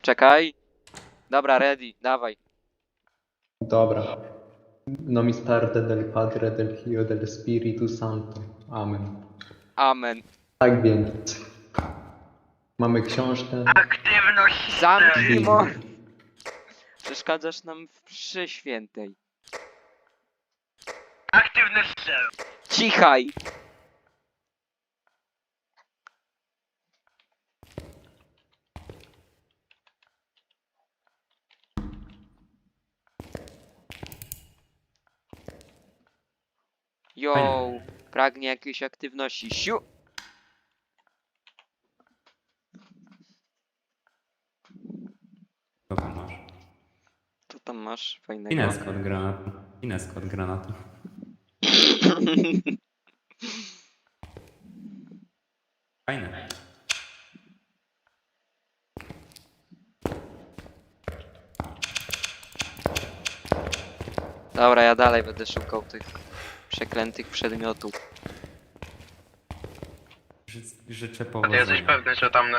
Czekaj. Dobra, ready, dawaj. Dobra. Nomis parte del Padre, del Figlio, del Spiritu Santo. Amen. Amen. Tak więc. Mamy książkę. Aktywność Zamknij Biblii. Przeszkadzasz nam w mszy świętej. Aktywność cel. Cichaj! Yo, pragnie jakiejś aktywności. Siu! Co tam masz? Co tam masz fajnego? Ineska od granatu. Ineska od granatu. Fajne. Dobra, ja dalej będę szukał tych przeklętych przedmiotów. Życzę A ty jesteś powodzenia. pewny, że tam